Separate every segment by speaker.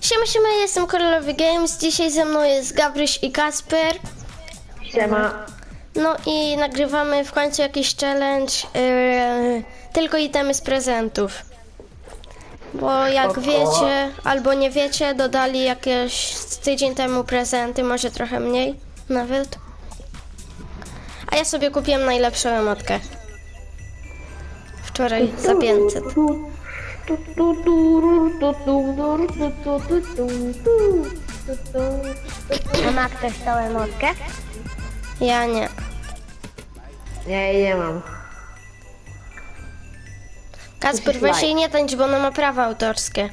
Speaker 1: Siema, jestem Korolowy Games. Dzisiaj ze mną jest Gabryś i Kasper.
Speaker 2: Siema.
Speaker 1: No i nagrywamy w końcu jakiś challenge, tylko itemy z prezentów. Bo jak wiecie, albo nie wiecie, dodali jakieś tydzień temu prezenty, może trochę mniej nawet. A ja sobie kupiłem najlepszą emotkę. Wczoraj za 500.
Speaker 3: A ma ktoś tą emotkę?
Speaker 1: Ja nie.
Speaker 2: Ja jej nie mam.
Speaker 1: Kasper, weź jej nie tańcz, bo ona ma prawa autorskie.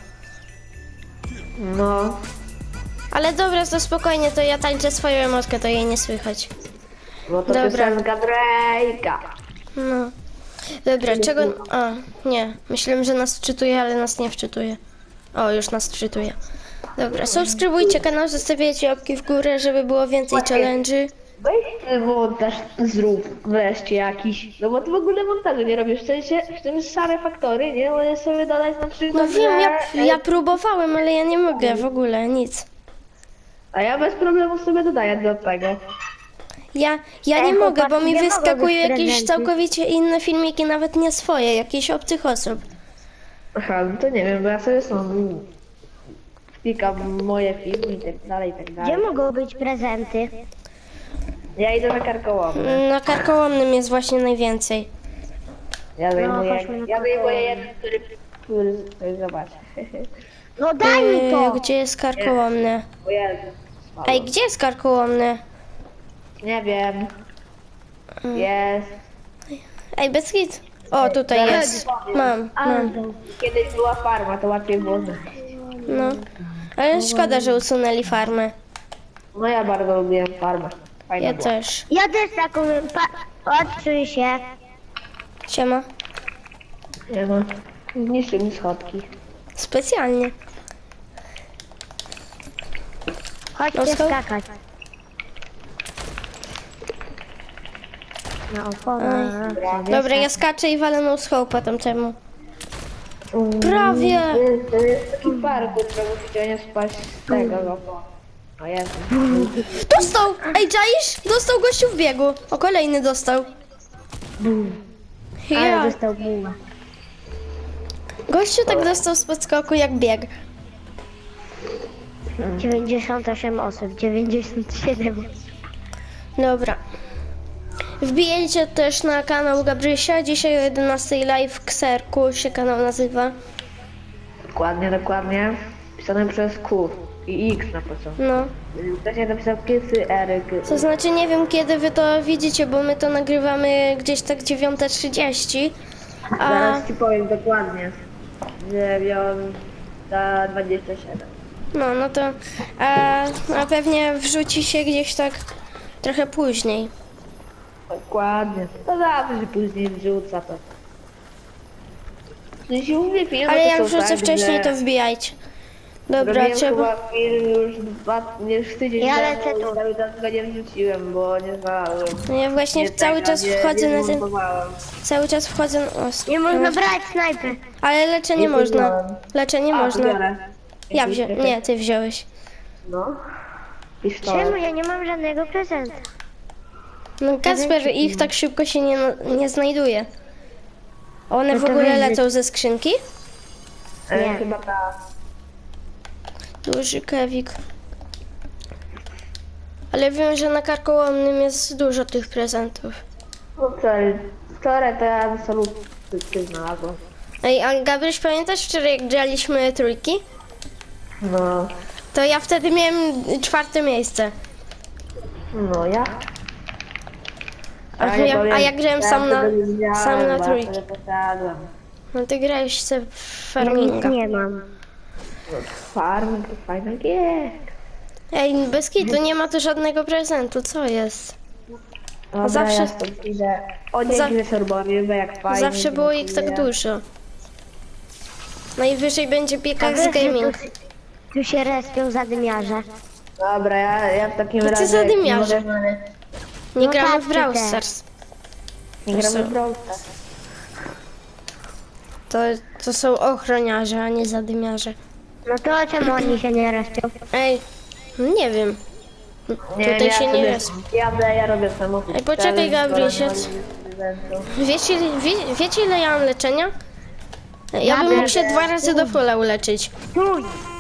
Speaker 2: No.
Speaker 1: Ale dobra, to spokojnie, to ja tańczę swoją emotkę, to jej nie słychać.
Speaker 2: Bo to
Speaker 1: Dobra.
Speaker 2: piosenka Drake'a.
Speaker 1: No. Dobra, czego... A, nie. Myślałem, że nas wczytuje, ale nas nie wczytuje. O, już nas wczytuje. Dobra, subskrybujcie kanał, zostawiajcie łapki w górę, żeby było więcej challenge'y.
Speaker 2: Weź ty montaż zrób wreszcie jakiś. No bo ty w ogóle montażu nie robisz. W tym szare faktory, nie? Możesz sobie dodać na przykład,
Speaker 1: No wiem,
Speaker 2: że...
Speaker 1: ja próbowałem, ale ja nie mogę w ogóle, nic.
Speaker 2: A ja bez problemu sobie dodaję do tego.
Speaker 1: Ja nie mogę, bo
Speaker 3: chłopaki,
Speaker 1: mi
Speaker 3: nie mogą
Speaker 1: wyskakują
Speaker 3: być
Speaker 1: jakieś
Speaker 3: prezenty.
Speaker 1: całkowicie inne filmiki, nawet nie swoje, jakichś obcych osób.
Speaker 2: Aha, no to nie wiem, bo ja sobie sam klikam moje filmy i tak dalej, i tak
Speaker 3: Gdzie
Speaker 2: dalej.
Speaker 3: mogą być prezenty?
Speaker 2: Ja idę na karkołomne.
Speaker 1: Na karkołomnym jest właśnie najwięcej.
Speaker 2: Ja zajmuję
Speaker 3: chodźmy na
Speaker 2: jeden, który zobacz.
Speaker 3: No daj mi to!
Speaker 1: Gdzie jest karkołomny?
Speaker 2: O Jezu. słabo.
Speaker 1: Ej, gdzie jest karkołomny?
Speaker 2: Nie wiem. Jest.
Speaker 1: Ej, bez hit. O, tutaj jest. Mam.
Speaker 2: Kiedyś była farma, to łatwiej było znaleźć.
Speaker 1: No. Ale szkoda, że usunęli farmę.
Speaker 2: No ja bardzo lubiłem farmę. Fajna
Speaker 1: Ja
Speaker 2: była.
Speaker 1: też.
Speaker 3: Ja też taką... Odczuj się.
Speaker 1: Siema.
Speaker 2: Nie no. Zniszczył mi schodki.
Speaker 1: Specjalnie.
Speaker 3: Chodźcie
Speaker 1: No,
Speaker 3: skakać. Na oponę.
Speaker 1: Dobra, ja skaczę i walę no scope'a tamtemu. Prawie.
Speaker 2: To jest taki parkour, że musicie nie spaść z tego logo. O Jezu.
Speaker 1: Dostał! Ej, czaisz? Dostał gościu w biegu. O, kolejny dostał.
Speaker 3: Ale
Speaker 1: Ja.
Speaker 3: dostał buła.
Speaker 1: Gościu tak dostał z podskoku jak bieg.
Speaker 3: 98 osób, 97.
Speaker 1: Dobra. Wbijajcie też na kanał Gabrysia. Dzisiaj o 11 live Kserku się kanał nazywa.
Speaker 2: Dokładnie. Pisane przez Q i X na początku.
Speaker 1: No.
Speaker 2: Wcześniej napisał Kysy, Eryk.
Speaker 1: To znaczy nie wiem kiedy wy to widzicie, bo my to nagrywamy gdzieś tak 9:30. A
Speaker 2: Zaraz ci powiem dokładnie. 9:27.
Speaker 1: no to a pewnie wrzuci się gdzieś tak trochę później.
Speaker 2: Dokładnie. To zawsze się później wrzuca to. Jeśli mówię film,
Speaker 1: Ale
Speaker 2: to
Speaker 1: jak
Speaker 2: są
Speaker 1: wrzucę
Speaker 2: tak,
Speaker 1: wcześniej,
Speaker 2: że
Speaker 1: to wbijajcie. Dobra,
Speaker 2: robiłem
Speaker 1: trzeba.
Speaker 2: chyba film już tydzień
Speaker 3: Ja
Speaker 2: temu
Speaker 3: lecę tu.
Speaker 2: i cały czas go nie wrzuciłem, bo nie znalazłem.
Speaker 1: No ja właśnie
Speaker 2: Nie
Speaker 1: cały
Speaker 2: tego,
Speaker 1: czas
Speaker 2: nie-
Speaker 1: wchodzę
Speaker 2: nie
Speaker 1: na ten.
Speaker 2: zmontowałem.
Speaker 1: Cały czas wchodzę na. O,
Speaker 3: Nie można brać snajpy.
Speaker 1: ale leczenie
Speaker 2: Nie
Speaker 1: można.
Speaker 2: wziąłem.
Speaker 1: Leczenie
Speaker 2: A,
Speaker 1: można.
Speaker 2: biorę.
Speaker 1: Ja wziąłem. Nie, ty wziąłeś.
Speaker 2: No.
Speaker 3: Czemu
Speaker 2: Pistolet.
Speaker 3: ja nie mam żadnego prezenta?
Speaker 1: No Kasper ich tak szybko się nie znajduje. One
Speaker 3: No
Speaker 1: w
Speaker 3: to
Speaker 1: ogóle
Speaker 3: weź-
Speaker 1: lecą ze skrzynki?
Speaker 3: Nie.
Speaker 2: Chyba tak.
Speaker 1: Duży kewik. Ale wiem, że na karkołomnym jest dużo tych prezentów.
Speaker 2: No wczoraj to ja absolutnie znalazłem.
Speaker 1: Ej, a Gabryś, pamiętasz wczoraj jak graliśmy trójki?
Speaker 2: No.
Speaker 1: To ja wtedy miałem 4. miejsce.
Speaker 2: No ja.
Speaker 1: A
Speaker 2: nie
Speaker 1: ja
Speaker 2: powiem,
Speaker 1: grałem
Speaker 2: ja
Speaker 1: sam na
Speaker 2: wtedy nie miałem,
Speaker 1: sam na
Speaker 2: bo ja
Speaker 1: trójki.
Speaker 2: wtedy posadłem.
Speaker 1: No ty grałeś sobie w
Speaker 3: Ja nic
Speaker 1: farminga.
Speaker 3: nie mam.
Speaker 2: No, farm to fajna gier.
Speaker 1: Ej, bez kitu nie ma tu żadnego prezentu, co jest?
Speaker 2: Dobra,
Speaker 1: Zawsze-
Speaker 2: ja stąd idę. O,
Speaker 1: Za-
Speaker 2: dzięki Sorbowie, bo jak fajnie.
Speaker 1: Zawsze było ich tak
Speaker 2: dziękuję.
Speaker 1: dużo. Najwyżej będzie
Speaker 3: A
Speaker 1: Piekarz
Speaker 3: wiesz, że
Speaker 1: Gaming.
Speaker 3: tu się respią zadymiarze.
Speaker 2: Dobra, ja w takim
Speaker 1: To ty
Speaker 2: razie...
Speaker 1: zadymiarze.
Speaker 2: nie mogę-
Speaker 1: Nie
Speaker 3: No
Speaker 1: gramy
Speaker 3: tak,
Speaker 1: w
Speaker 3: ty
Speaker 1: Brawl
Speaker 3: też.
Speaker 1: Stars.
Speaker 2: Nie gramy w Brawl Stars.
Speaker 1: To są ochroniarze, a nie zadymiarze.
Speaker 3: No to czemu oni się nie respią?
Speaker 1: Ej, nie wiem. Tutaj się nie jest.
Speaker 2: Ja robię samochód.
Speaker 1: Ej, poczekaj, Gabrysiec. Wiecie ile ja mam leczenia? Ja bym mógł się 2 razy do fulla uleczyć.
Speaker 3: Stój!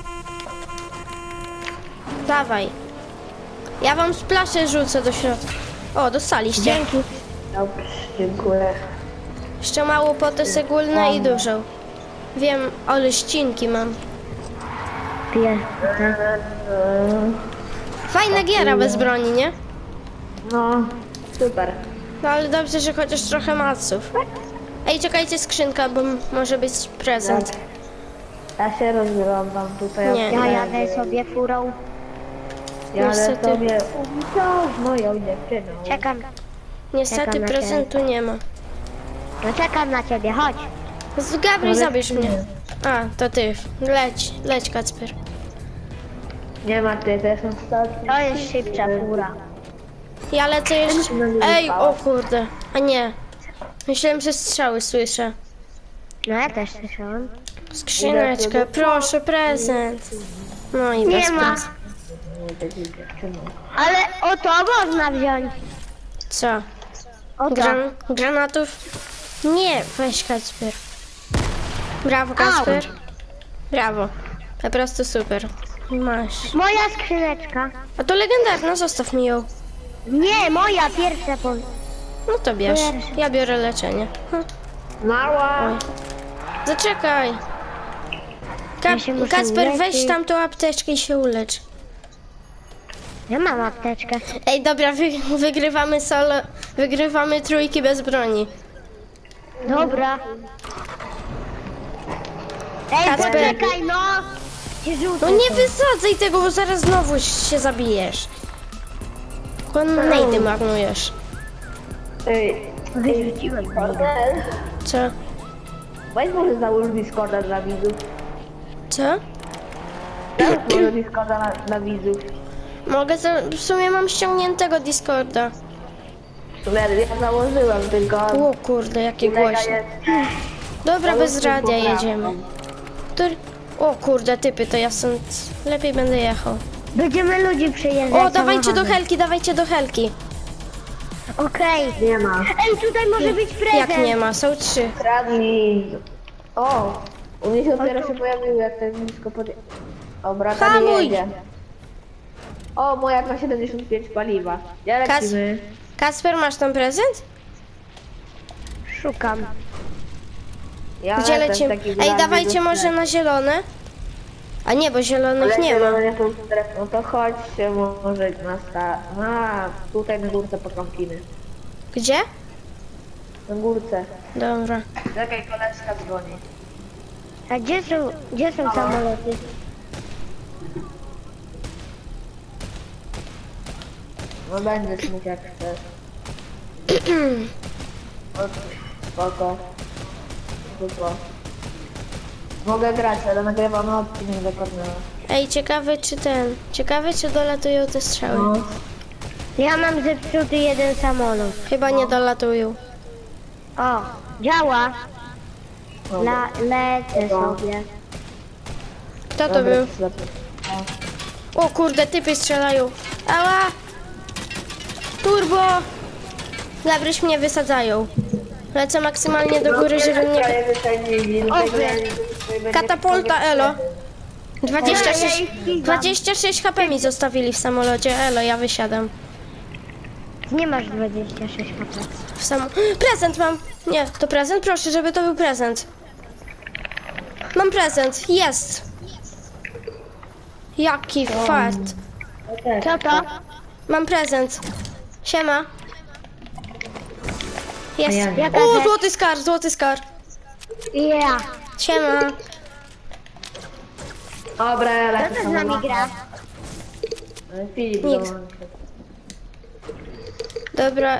Speaker 1: Dawaj. Ja wam splaszę rzucę do środka. O, dostaliście.
Speaker 3: Dzięki.
Speaker 2: Dobrze, dziękuję.
Speaker 1: Jeszcze mało potę sególne i dużą. Wiem, ale ścinki mam.
Speaker 3: Piję.
Speaker 1: Fajna giera bez broni, nie?
Speaker 2: No, super.
Speaker 1: No ale dobrze, że chociaż trochę maców. Ej, czekajcie, skrzynka, bo może być prezent.
Speaker 2: Ja się rozglądam tutaj.
Speaker 1: Nie.
Speaker 3: Ja jadę sobie furą.
Speaker 2: Jadę
Speaker 1: Niestety.
Speaker 2: sobie z moją dziewczyną.
Speaker 3: Czekam.
Speaker 1: Niestety
Speaker 3: Czekam na
Speaker 1: prezentu nie ma.
Speaker 3: No czekam na ciebie, chodź.
Speaker 1: Z Gabry, zabierz mnie. A, to ty. Leć, Kacper.
Speaker 2: Nie ma ty, to są statki.
Speaker 3: To jest szybsza fura.
Speaker 1: Ja lecę jeszcze. Ej, o kurde. A nie. Myślałem, że strzały słyszę.
Speaker 3: No ja też słyszałam.
Speaker 1: Skrzyneczkę, proszę, prezent. No i
Speaker 3: Nie
Speaker 1: bez
Speaker 3: ma.
Speaker 1: prezent.
Speaker 3: Ale o to można wziąć.
Speaker 1: Co?
Speaker 3: O to.
Speaker 1: Granatów? Nie, weź Kacper. Brawo, Kacper. Brawo. Po prostu super. Masz.
Speaker 3: Moja skrzyneczka.
Speaker 1: A to legendarna, zostaw mi ją.
Speaker 3: Nie, moja pierwsza po...
Speaker 1: No to bierz. Ja biorę leczenie.
Speaker 2: Mała!
Speaker 1: Oj. Zaczekaj.
Speaker 3: Ja się muszę
Speaker 1: Kacper, weź
Speaker 3: uleczyć.
Speaker 1: tamtą apteczkę i się ulecz.
Speaker 3: Ja mam apteczkę.
Speaker 1: Ej, dobra, wygrywamy solo. Wygrywamy trójki bez broni.
Speaker 3: Dobra. Ej,
Speaker 1: Kacper.
Speaker 3: poczekaj, no! Cię rzucę.
Speaker 1: No nie wysadzaj tego, bo zaraz znowu się zabijesz. Nejdy marnujesz.
Speaker 2: Ej,
Speaker 3: Wyrzuciłem go.
Speaker 1: Co?
Speaker 2: weź może załóż Discorda dla widzów.
Speaker 1: Co?
Speaker 2: Załóż może Discorda dla widzów.
Speaker 1: Mogę, w sumie mam ściągniętego Discorda.
Speaker 2: Ja założyłem, tylko...
Speaker 1: O kurde, jakie
Speaker 2: kolega
Speaker 1: głośne.
Speaker 2: jest...
Speaker 1: Dobra, bez
Speaker 2: Załóżmy
Speaker 1: radia
Speaker 2: poprawkę.
Speaker 1: jedziemy. O kurde, typy, to ja stąd lepiej będę jechał.
Speaker 3: Będziemy ludzi przyjeżdżać.
Speaker 1: O, dawajcie do
Speaker 3: samochodem.
Speaker 1: helki, dawajcie do helki.
Speaker 3: Okej.
Speaker 2: Nie ma.
Speaker 3: Ej, tutaj może być prezent.
Speaker 1: Jak nie ma, są 3.
Speaker 2: Kradnij. O! U mnie się dopiero się pojawił, jak ten blisko pod... O, brata
Speaker 1: Hamuj!
Speaker 2: nie jedzie. O, moja ma 75 paliwa. Ja lecimy.
Speaker 1: Kasper, masz tam prezent?
Speaker 3: Szukam.
Speaker 2: Ja
Speaker 1: Gdzie
Speaker 2: lecę w
Speaker 1: lecimy?
Speaker 2: takim
Speaker 1: Ej,
Speaker 2: razie
Speaker 1: dawajcie
Speaker 2: do
Speaker 1: może
Speaker 2: strefy.
Speaker 1: na zielone. A nie, bo zielonych nie ma.
Speaker 2: Ale nie są strefy. No to chodźcie może na tutaj na górce potrąpimy.
Speaker 1: Gdzie?
Speaker 2: Na górce.
Speaker 1: Dobra.
Speaker 2: Czekaj, koleżka dzwoni.
Speaker 3: A gdzie są samoloty?
Speaker 2: No będziesz mógł jak chcesz. O, spoko. Spoko. Mogę grać, ale nagrywamy odcinek do Kornela.
Speaker 1: Ej, ciekawe czy dolatują te strzały.
Speaker 2: No.
Speaker 3: Ja mam zepsuty jeden samolot.
Speaker 1: Chyba nie dolatują.
Speaker 3: O, działa.
Speaker 2: Dobra.
Speaker 3: Lecę sobie.
Speaker 1: Kto to
Speaker 2: Dobra,
Speaker 1: był?
Speaker 2: zlepię.
Speaker 1: O kurde, typy strzelają. Ała! Turbo! Gabryś mnie wysadzają. Lecę maksymalnie do góry, żeby mnie...
Speaker 2: Kraje wysadzili, do tej granicy tutaj będzie
Speaker 1: Katapulta, elo. 26,
Speaker 3: Ja ich ścigam.
Speaker 1: 26 HP mi zostawili w samolocie. Elo, ja wysiadam.
Speaker 3: Nie masz 26 HP.
Speaker 1: Prezent mam! Nie, to prezent? Proszę, żeby to był prezent. Mam prezent, jest! Jaki fart.
Speaker 3: Co to?
Speaker 1: Mam prezent. Siema. Jest.
Speaker 3: Jaka
Speaker 1: O,
Speaker 3: rzecz?
Speaker 1: złoty skar, złoty skar.
Speaker 3: Ja.
Speaker 1: Siema.
Speaker 2: Dobra, ja
Speaker 3: Kto
Speaker 2: lecę
Speaker 3: to z nami gra?
Speaker 2: Filip
Speaker 1: Nikt.
Speaker 2: dołączy.
Speaker 1: Dobra.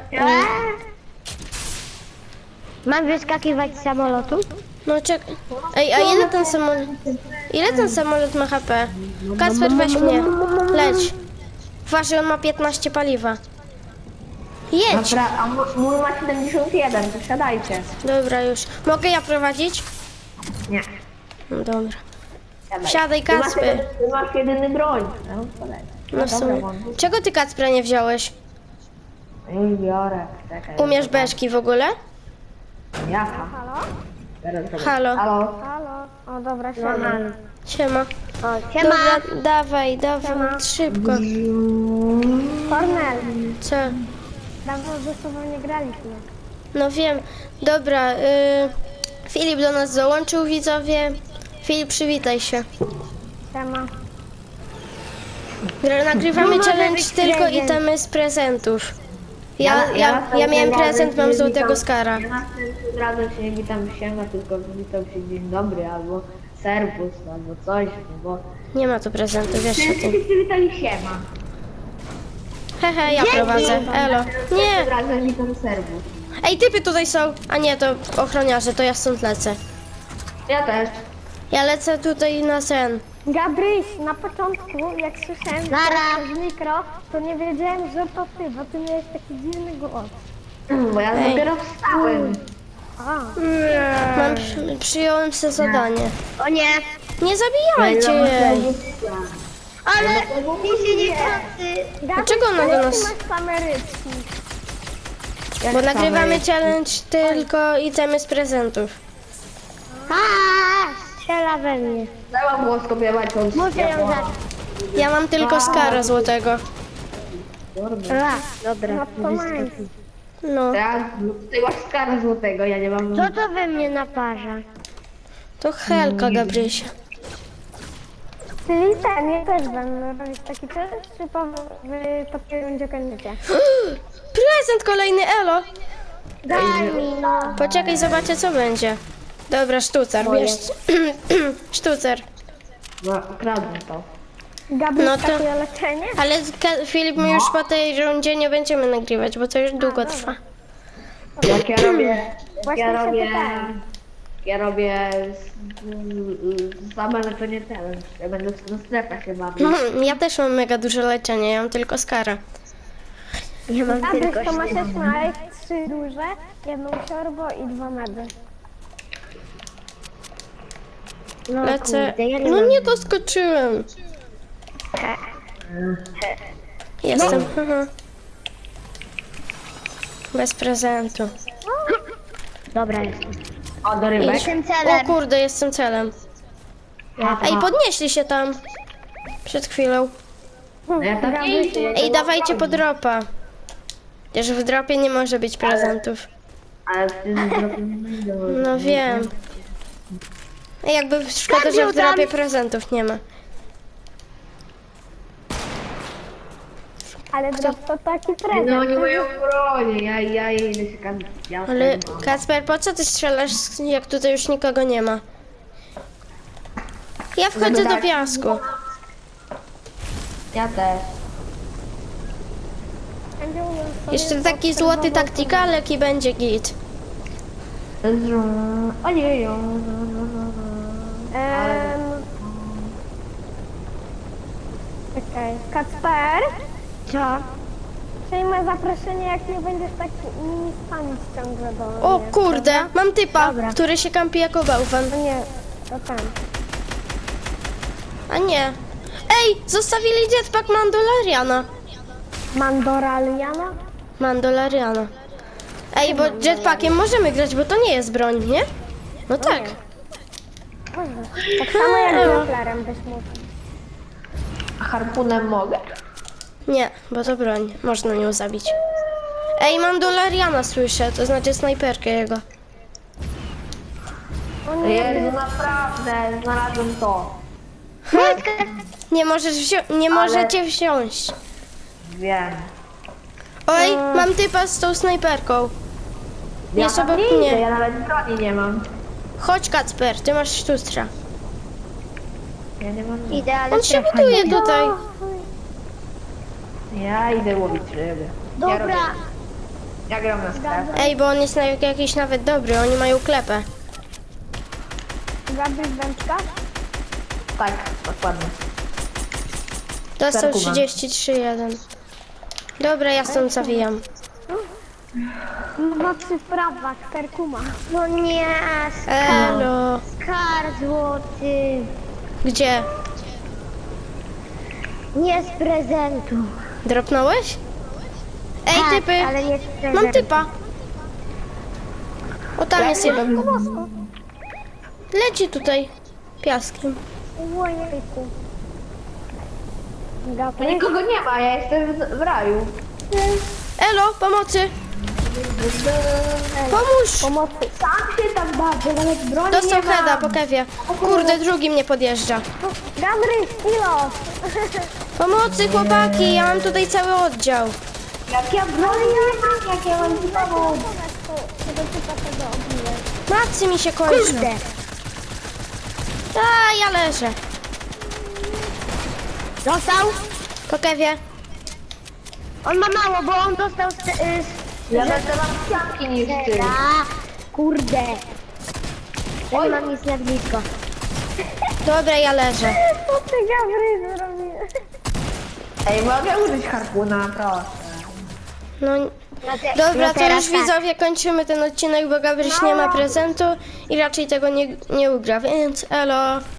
Speaker 3: Mam wyskakiwać z samolotu?
Speaker 1: No czekaj. Ej, a ile ten samolot... Ile ten samolot ma HP? Kasper, weź mnie. Leć. Uważaj, on ma 15 paliwa. Jedź.
Speaker 2: Dobra, a mój ma 71, to siadajcie.
Speaker 1: Dobra, już. Mogę ja prowadzić?
Speaker 2: Nie.
Speaker 1: No dobra. Wsiadaj, Kacper.
Speaker 2: Ty masz jedyny broń. No, poleć.
Speaker 1: No w sumie. Czego ty, Kacpra, nie wziąłeś?
Speaker 2: Już biorę. Czekaj.
Speaker 1: Umiesz beczki w ogóle?
Speaker 2: Jaka?
Speaker 3: Halo?
Speaker 2: Teraz zrobię.
Speaker 1: Halo.
Speaker 2: Halo?
Speaker 3: Halo? O, dobra, siema.
Speaker 1: Siema.
Speaker 3: O, siema.
Speaker 1: Dobra, dawaj, szybko.
Speaker 3: Kornel,
Speaker 1: Co?
Speaker 3: dawno ze sobą nie graliśmy.
Speaker 1: No wiem. Dobra, Filip do nas dołączył, widzowie. Filip, przywitaj się.
Speaker 3: Siema.
Speaker 1: Nagrywamy
Speaker 3: No, może
Speaker 1: challenge
Speaker 3: być
Speaker 1: tylko
Speaker 3: prezent.
Speaker 1: itemy z prezentów. Ja miałem prezent, mam złotego skara.
Speaker 2: Ja następnym razem się nie witam siema, tylko witam się dzień dobry, albo serwus, albo coś, no bo...
Speaker 1: Nie ma tu prezentu, wiesz o tym.
Speaker 2: Wszyscy witali siema.
Speaker 1: Hehe, ja prowadzę. Elo. Nie!
Speaker 2: Następnym razem witam serwus.
Speaker 1: Ej, typy tutaj są. A nie, to ochroniarze, to ja stąd lecę.
Speaker 2: Ja też.
Speaker 1: Ja lecę tutaj na sen.
Speaker 3: Gabryś, na początku, jak słyszałem przez mikro, to nie wiedziałem, że to ty, bo ty miałeś taki dziwny głos.
Speaker 2: Bo ja
Speaker 1: Ej.
Speaker 2: dopiero wstałem.
Speaker 3: A,
Speaker 1: Przyjąłem sobie zadanie.
Speaker 3: o nie.
Speaker 1: Nie zabijajcie jej.
Speaker 3: Ale ty się nie chce.
Speaker 1: Dlaczego ona do nas-
Speaker 3: Ty masz same rybki.
Speaker 1: Bo nagrywamy challenge tylko itemy z prezentów.
Speaker 3: Strzela we mnie.
Speaker 2: Trzeba było skopiować od
Speaker 3: Muszę ją zacząć.
Speaker 1: Ja mam tylko skara złotego.
Speaker 3: Dobra. No to masz.
Speaker 1: No,
Speaker 2: Ty masz skara złotego, ja nie mam...
Speaker 3: Co to we mnie naparza?
Speaker 1: to Helka, Gabrysia.
Speaker 3: Czyli ten, ja też będę robić taki challenge, czy po tej rundzie kończycie?
Speaker 1: Prezent kolejny, elo.
Speaker 3: Daj mi, no.
Speaker 1: Poczekaj, zobaczę co będzie. Dobra, sztucer, wiesz. Sztucer.
Speaker 2: No, kradnę to.
Speaker 3: Gabi,
Speaker 1: No to-
Speaker 3: takie leczenie?
Speaker 1: Ale Filip, my już po tej rundzie nie będziemy nagrywać, bo to już długo trwa.
Speaker 2: Jak ja robię... Jak
Speaker 3: Właśnie
Speaker 2: ja
Speaker 3: się
Speaker 2: robię...
Speaker 3: pytałem.
Speaker 2: Ja robię... Same leczenie challenge. Ja będę na strefach się bawił.
Speaker 1: Ja też mam mega dużo leczenia, ja mam tylko skara.
Speaker 3: Ja mam tylko to masz znaleźć 3 duże, jedną siorbo i 2 medy. No,
Speaker 1: Lecę.
Speaker 3: kurde, ja
Speaker 1: No
Speaker 3: mam.
Speaker 1: nie doskoczyłem. Jestem. Bez prezentu.
Speaker 3: Dobra, jestem.
Speaker 2: O, do rybek.
Speaker 3: Jestem
Speaker 1: O
Speaker 3: celem.
Speaker 1: kurde, jestem celem. Ej, podnieśli się tam. Przed chwilą.
Speaker 2: No ja tak nie idę.
Speaker 1: Ej, dawajcie po dropa. Wiesz, w dropie nie może być prezentów.
Speaker 2: Ale w tym dropie nie będę.
Speaker 1: No wiem. Ej, jakby szkoda, że w dropie prezentów nie ma.
Speaker 3: Ale drop to taki
Speaker 2: No
Speaker 3: prezent.
Speaker 2: oni mają bronię, ja idę się kampić. Ja
Speaker 1: Ale
Speaker 2: sobie mam.
Speaker 1: Kacper, po co ty strzelasz, jak tutaj już nikogo nie ma? Ja wchodzę do piasku.
Speaker 2: Ja też.
Speaker 1: Jeszcze taki złoty taktikalek i będzie git.
Speaker 2: Ojeju.
Speaker 3: Czekaj, Kacper? Co? Przyjmę zaproszenie, jak nie będziesz tak mi spamić ciągle do mnie.
Speaker 1: O kurde, mam typa, który się kampi jako bałwan.
Speaker 3: No nie, to ten.
Speaker 1: A nie. Ej, zostawili jetpack Mandaloriana.
Speaker 3: Mandoraliana?
Speaker 1: Mandaloriana. Ej, bo jetpackiem możemy grać, bo to nie jest broń, nie? No tak.
Speaker 3: Tak samo jak Dopplerem byś mógł.
Speaker 2: Harpunem mogę?
Speaker 1: Nie, bo to broń. Można nią zabić. Ej, Mandaloriana słyszę, to znaczy snajperkę jego.
Speaker 3: O nie,
Speaker 2: Jezu, naprawdę, znalazłem to.
Speaker 1: Nie możecie wziąć.
Speaker 2: Wiem.
Speaker 1: Oj, mam typa z tą snajperką.
Speaker 2: Ja
Speaker 1: Jest
Speaker 2: tam
Speaker 1: obok
Speaker 2: nie idę,
Speaker 1: mnie.
Speaker 2: ja nawet broni nie mam.
Speaker 1: Chodź, Kacper, ty masz sztustrza.
Speaker 2: Ja nie mam.
Speaker 3: idę, ale
Speaker 1: On się buduje tutaj.
Speaker 2: Ja idę łowić ryby. Ja, robię,
Speaker 3: Dobra,
Speaker 2: ja gram na strefę.
Speaker 1: Ej, bo on jest jakiś nawet dobry, oni mają klepę.
Speaker 3: Gabriel wędka?
Speaker 2: Tak, dokładnie.
Speaker 1: Dostał
Speaker 2: Perkuma.
Speaker 1: 33,1. Dobra, ja stąd zawijam.
Speaker 3: No cyfrowa, Kerkuma. No nie,
Speaker 1: Elo.
Speaker 3: skar złoty.
Speaker 1: Gdzie?
Speaker 3: Nie z prezentu.
Speaker 1: Dropnąłeś? Ej,
Speaker 3: Tak,
Speaker 1: typy!
Speaker 3: ale nie z prezentu.
Speaker 1: Mam typa. O, tam jest jeden. Leci tutaj. Piaskiem.
Speaker 3: Ojejku.
Speaker 2: To nikogo nie ma, ja jestem w raju.
Speaker 1: Elo, pomocy! Pomóż!
Speaker 3: Pomocy.
Speaker 2: Sam się tam bawię, nawet broni
Speaker 1: Dostał
Speaker 2: nie mam.
Speaker 1: heada po kewie. Kurde, drugi mnie podjeżdża.
Speaker 3: Gabry, kilo.
Speaker 1: Pomocy, chłopaki, ja mam tutaj cały oddział.
Speaker 2: Jak ja broni nie mam, jak ja mam znowu.
Speaker 3: Tego typa tego obiłem.
Speaker 1: Macy mi się kończą.
Speaker 3: Kurde.
Speaker 1: A, ja leżę.
Speaker 3: Dostał?
Speaker 1: Po kewie.
Speaker 3: On ma mało, bo on dostał
Speaker 2: Ja będę mam kwiatki niż ty.
Speaker 3: Kurde. Oj, mam nic na blisko.
Speaker 1: Dobra, ja leżę.
Speaker 3: Co ty Gabry zrobiłeś?
Speaker 2: Ej, mogę użyć harpuna, proszę.
Speaker 1: No, dobra, to już widzowie kończymy ten odcinek, bo Gabryś nie ma prezentu i raczej tego nie ugra, więc elo.